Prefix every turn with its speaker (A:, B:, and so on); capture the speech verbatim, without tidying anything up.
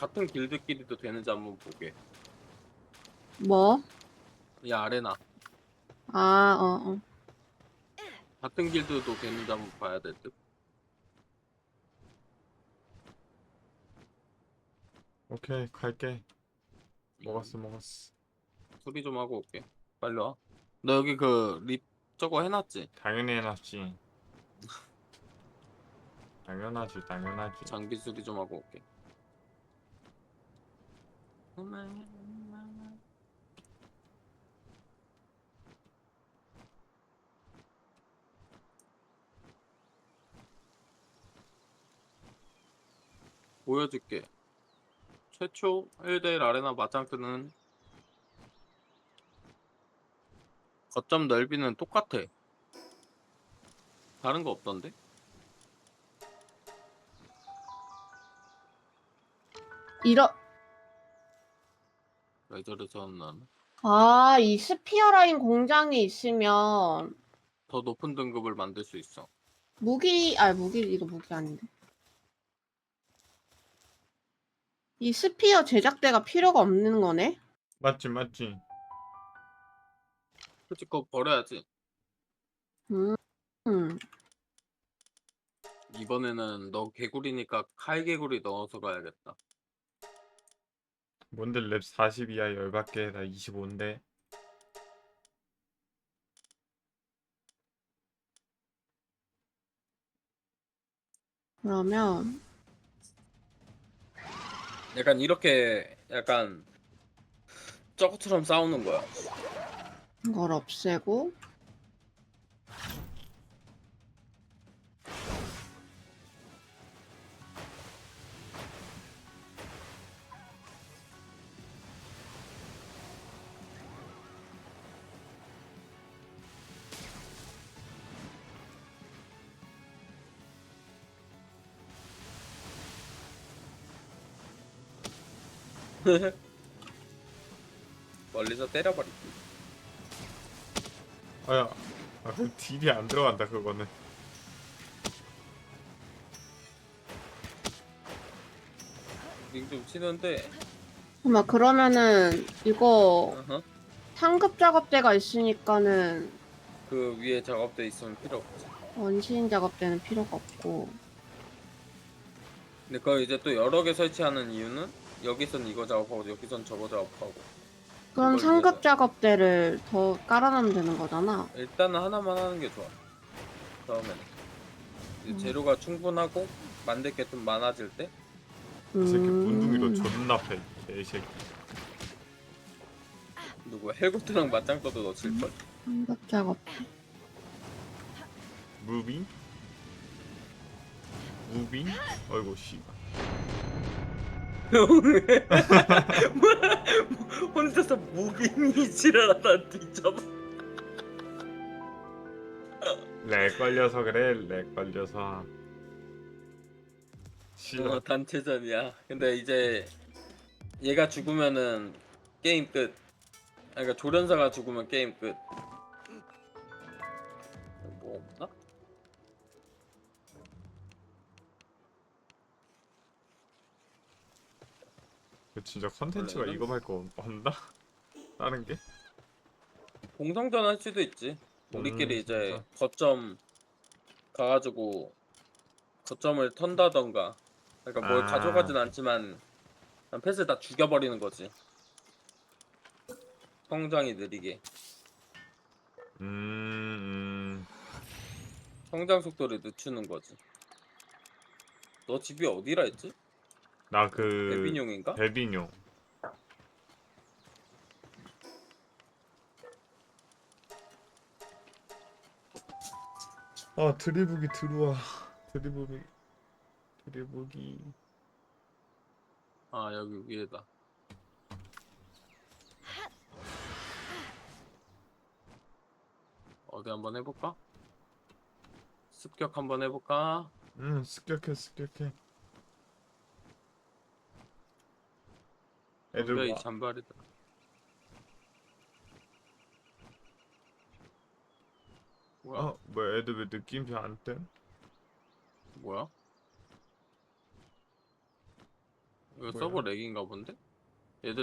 A: 같은 길드끼리도 되는지 한번 보게.
B: 뭐?
A: 이 아레나
B: 아, 어, 어.
A: 같은 길드도 되는지 한번 봐야 될 듯.
C: 오케이 갈게.
A: 음,
C: 먹었어 먹었어.
A: 수리 좀 하고 올게. 빨리 와. 너 여기 그 립 저거 해놨지?
C: 당연히 해놨지. 당연하지 당연하지.
A: 장비 수리 좀 하고 올게. 보여줄게. 최초 일 대 일 아레나 맞짱 뜨는 거점 넓이는 똑같아. 다른 거 없던데?
B: 이러,
A: 왜 저래서 나는
B: 아, 이 스피어 라인 공장이 있으면
A: 더 높은 등급을 만들 수 있어.
B: 무기, 아, 무기, 이거 무기 아닌데. 이 스피어 제작대가 필요가 없는 거네?
C: 맞지 맞지.
A: 솔직히 그거 버려야지.
B: 음, 음.
A: 이번에는 너 개구리니까 칼 개구리 넣어서 가야겠다.
C: 뭔데 랩 사십 이하 열받게 나 이십오인데.
B: 그러면,
A: 약간 이렇게 약간 저것처럼 싸우는 거야.
B: 이걸 없애고,
A: 멀리서 때려버리기.
C: 아야. 아, 그 딜이 안 들어간다 그거는.
A: 링 좀 치는데
B: 잠깐만, 그러면은, 이거,
A: 어허.
B: 상급 작업대가 있으니까는,
A: 그 위에 작업대 있으면 필요 없지.
B: 원시인 작업대는 필요가 없고,
A: 근데 그거 이제 또 여러 개 설치하는 이유는 여기선 이거 작업하고 여기선 저거 작업하고
B: 그럼
A: 그걸
B: 상급
A: 위해서.
B: 작업대를 더 깔아놓으면 되는 거잖아.
A: 일단은 하나만 하는 게 좋아. 처음에는 이제
B: 음.
A: 재료가 충분하고 만들 게 좀 많아질 때
C: 이 새끼 문둥이로
B: 음.
C: 존나 패. 개새끼.
A: 누구 헬고트랑 맞짱 떠도 너 칠걸.
B: 상급 작업대.
C: 무빙? 무빙? 어이구 씨발.
A: 혼자서 무빙이 지랄하다 뒤져봐.
C: 렉 걸려서 그래. 렉 걸려서. 싫어.
A: 어, 단체전이야. 근데 이제 얘가 죽으면은 게임 끝. 아, 그러니까 조련사가 죽으면 게임 끝. 뭐 없나?
C: 그 진짜 컨텐츠가
A: 원래는?
C: 이거 말고 없나? 다른 게?
A: 공성전 할 수도 있지. 우리끼리
C: 음,
A: 이제
C: 진짜.
A: 거점 가가지고 거점을 턴다던가. 그러니까 뭘
C: 아,
A: 가져가진 않지만 그냥 패스 다 죽여버리는 거지. 성장이 느리게.
C: 음, 음.
A: 성장 속도를 늦추는 거지. 너 집이 어디라 했지?
C: 나 그
A: 베비뇽인가?
C: 베비뇽. 아 드리블이 들어와. 드리블이 드리블이.
A: 아 여기 위에다. 어디 한번 해볼까? 습격 한번 해볼까?
C: 음 습격해 습격해. 애들
A: 덤벼 이
C: 와.
A: 잔발이다. 뭐야?
C: 어 뭐야 애들 왜 느낌표 안 뜸?
A: 뭐야? 이거
C: 뭐야?
A: 서버 렉인가 본데?